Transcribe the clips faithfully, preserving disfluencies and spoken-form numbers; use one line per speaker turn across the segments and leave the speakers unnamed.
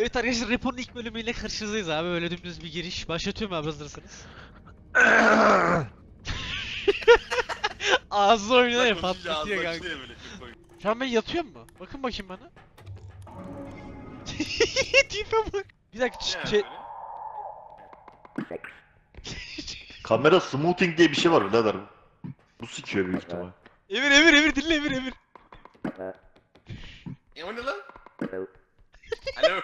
Evet arkadaşlar, Repo'nun ilk bölümüyle karşınızdayız abi. Böyle dümdüz bir giriş. Başlatıyorum abi, hazırsanız. Ağzı oynuyor ya,
Konuşunca ağzı
patlatıyor kanka.
açılıyor böyle. Çok komik.
Şu an ben yatıyorum mu? Bakın bakayım bana. Tipe bak. Bir dakika
Ne
ç-
yani
şey...
böyle?
Kamera smoothing diye bir şey var birader. Bu sikiyor büyük ihtimal.
Emir Emir Emir dinle Emir Emir.
E o ne lan?
Hello,
Alo.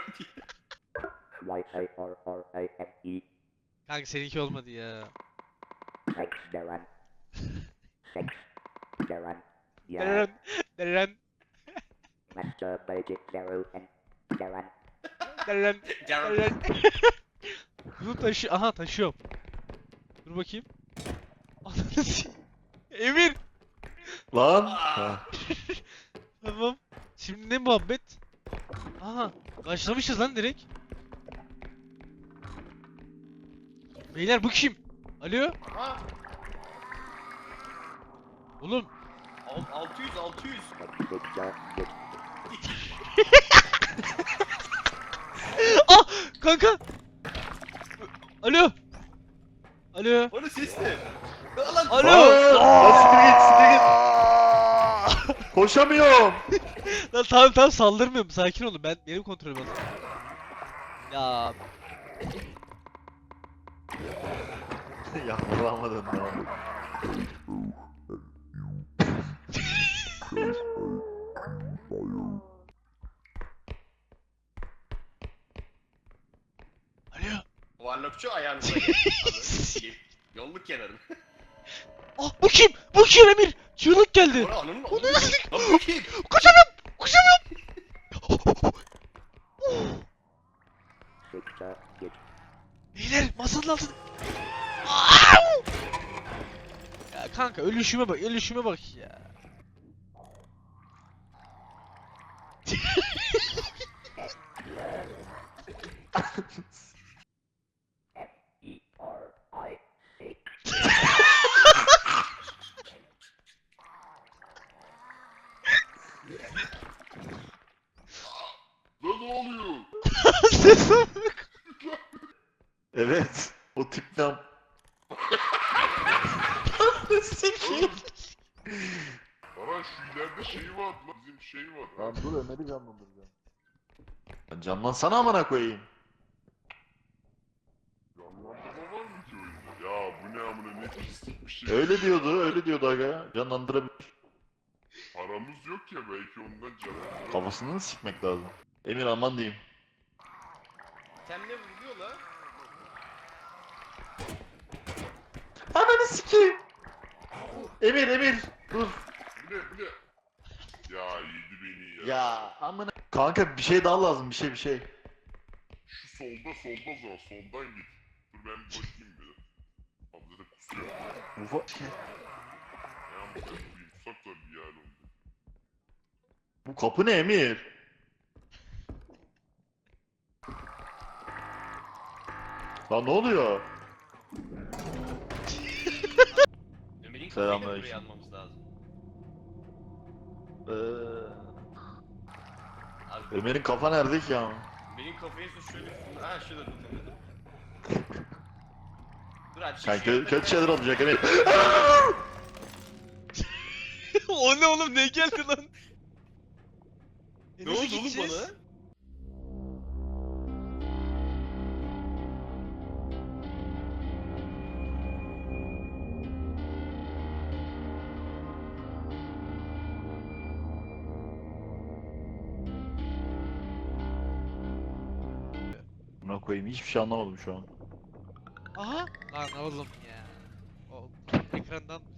Y A R R A M E.
Kanka seninki olmadı ya.
Thanks, Darren. Thanks, Darren. Yeah,
Deren. Deren.
Master Magic Darrow and Darren.
Deren.
Darren.
Deren. Bunu taşı... Aha taşıyorum. Dur bakayım. Ananı s- Emir.
Lan.
Aa.
Ha.
Tamam. Şimdi ne muhabbet? Aha. Başlamışız lan direkt. Beyler bu kim? Alo?
Aha.
Oğlum.
Al- altı yüz altı yüz.
Thanks, good job, good.
Ah! Kanka! Alo! Alo!
O ne ses ne? Lan.
Alo!
Aa, siktir git, siktir git. Koşamıyorum.
Lan tamam tamam, saldırmıyorum, sakin olun, ben benim kontrolüm alın. Ya
Ya vuramadın lan.
alo.
Varlıkçı ayağınıza gel. Abi, yolluk kenarın.
Ah, bu kim? Bu kim Emir? Çığlık geldi.
Bora ananın
O ne
ananı.
lan?
Lan bu kim?
Koşamıyorum! Koşamıyorum!
Good job, good.
Beyler masanın altında. Au! Ya kanka, ölüşüme bak, ölüşüme bak ya.
E R I C.
Lan ne oluyor?
Sese bak.
Evet. O tip ne yap-
Sikeyim.
Ara şu ileride şey var lan, bizim şey var.
Lan dur Ömer'i canlandıracağım. Lan canlansana amına koyayım.
Canlandırma var mı ki oyunda? Ya bu ne amına, ne pislik bir şey.
Öyle diyordu, öyle diyordu aga. Canlandırabilir.
Paramız yok ya, belki ondan canlandırma.
Kafasını sikmek lazım. Emir aman diyeyim.
Temle vuruyor lan.
Ananı sikeyim. Emir Emir dur.
Bu ne bu ne? Ya yedi beni ya.
Ya amına. Kanka bir şey daha lazım, bir şey bir şey.
Şu solda solda o zaman, soldan git. Dur ben bir bakayım bir. Abi de kusuyor.
Ufa.
Ne yapayım koyayım, uzak da bir yer oldu.
Bu kapı ne Emir? Lan ne oluyor?
Ömer'in kafayı da
Selamünaleyküm.
buraya almamız lazım.
Ee,
Abi
Ömer'in kafa nerede ki ya?
benim kafayı ise şöyle... Ha şurada dur. Dur abi. şu
Kanka
şuraya
kötü
tak-
şeyler olacak Emir.
O ne oğlum, ne geldi lan? E,
Ne
nasıl
oldu oğlum
gideceğiz?
bana?
Buna koyayım, hiçbir şey anlamadım şu an.
Aha! Lan oğlum ya. O ekrandan